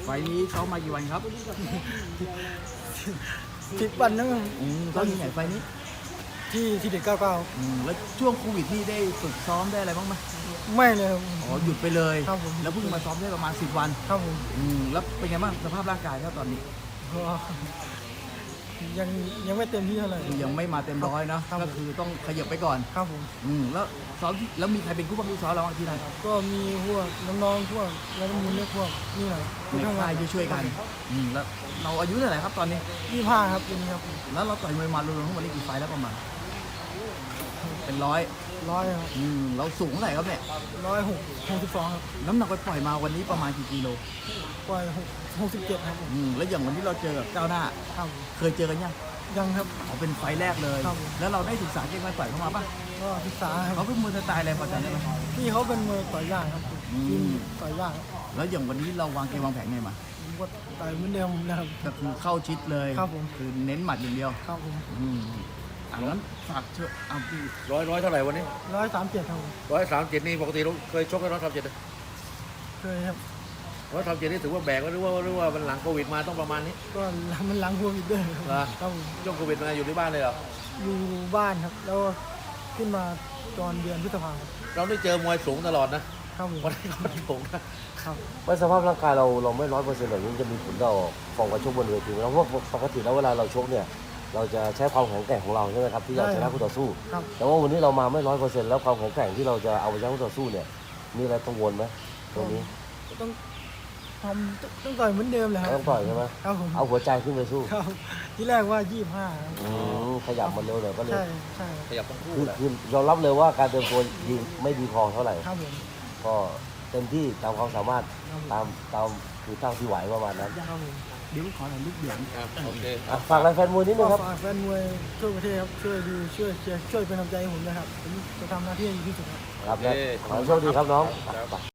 ล์นี้ซ้อมมากี่วันครับ 10 วันนะครับซ้อมที่ไหนไฟล์นี้ที่เด็ก99 แล้วช่วงโควิดนี่ได้ฝึกซ้อมได้อะไรบ้างไหมไม่เลยครับอ๋อหยุดไปเลยครับผมแล้วเพิ่งมาซ้อมได้ประมาณ10 วันครับผมแล้วเป็นไงบ้างสภาพร่างกายครับตอนนี้ก็ยังไม่เต็มที่เท่าไหร่คือยังไม่มาเต็มร้อยเนอะครับก็คือต้องขยับไปก่อนครับผมแล้วซ้อมแล้วมีใครเป็นผู้บังคับซ้อมเราบ้างที่ไหนก็มีพวกน้องๆพวกแล้วก็มูลเล็กพวกนี่แหละในค่ายช่วยๆกันแล้วเราอายุเท่าไหร่ครับตอนนี้ 25ครับปีนี้ครับแล้วเราต่อยมวยมารวมๆทั้งหมดนี่กี่ไฟล์แล้วประมาณเป็นร้อย 100ครับเราสูงเท่าไหร่ครับเนี่ย 162ครับน้ำหนักไปปล่อยมาวันนี้ประมาณกี่กิโลปล่อย67ครับผมแล้วอย่างวันที่เราเจอกับก้าวหน้าครับเคยเจอกันยังยังครับเขาเป็นไฟล์แรกเลยครับแล้วเราได้ศึกษาเกมการต่อยเข้ามาป่ะก็ศึกษาคเขารับเป็นมวยสไตล์อะไรพอจำได้ไหมพี่เขาเป็นมวยต่อยยากครับอืมทีมต่อยยากครับแล้วอย่างวันนี้เราวางเกมวางแผนไงมาผมก็ต่อยเหมือนเดิมนะครับก็คือเข้าชิดเลยครับผมคือเน้นหมัดอย่างเดียวครับผมงั้นฝากเชิญเอาพี่ร้อยเท่าไหร่วันนี้ 137ครับผม 137นี่ปกติเราเคยชกกัน137 เคยครับ 137นี่ถือว่าแบกหรือว่ามันหลังโควิดมาต้องประมาณนี้ก็มันหลังโควิดด้วยครับเหรอครับผมช่วงโควิดมาอยู่ที่บ้านเลยเหรออยู่บ้านครับ แล้วก็ขึ้นมาตอนเดือนพฤษภาคมเราได้เจอมวยสูงตลอดนะครับผมวันนี้ก็สูงนะครับว่าสภาพร่างกายเราไม่100%แบบนี้จะมีผลต่อฟอร์มการชกบนเวทีไหมเพราะว่าปกติแล้วเวลาเราชกเนี่ยเราจะใช้ความแข็งแกร่งของเราใช่ไหมครับที่จะชนะคู่ต่อสู้ครับแต่ว่าวันนี้เรามาไม่100%แล้วความแข็งแกร่งที่เราจะเอาไปชนะคู่ต่อสู้เนี่ยมีอะไรกังวลไหมตรงนี้ต้องต้องต่อยเหมือนเดิมเลยครับต้องต่อยใช่ไหมครับผมเอาหัวใจขึ้นไปสู้ครับที่แรกว่า 25ครับขยับมาเร็วหน่อยก็เลยใช่ใช่ขยับทั้งคู่คือแหละคือยอมรับเลยว่าการเตรียมตัวยิงไม่ดีพอเท่าไหร่ครับผมก็เต็มที่ตามความสามารถครับผมตามคือเท่าที่ไหวประมาณนั้นครับผมเดี๋ยวขอหน่อยลูกเดือดครับโอเคอ่ะฝากอะไรแฟนมวยนิดนึก็งครับฝากแฟนมวยทั่วประเทศครับช่วยดูช่วยเชียร์ช่วยเป็นกำลังใจให้ผมนะครับผมจะทำหน้าที่ให้ดีที่สุดครับครับและขอให้โชคดีครับน้องไป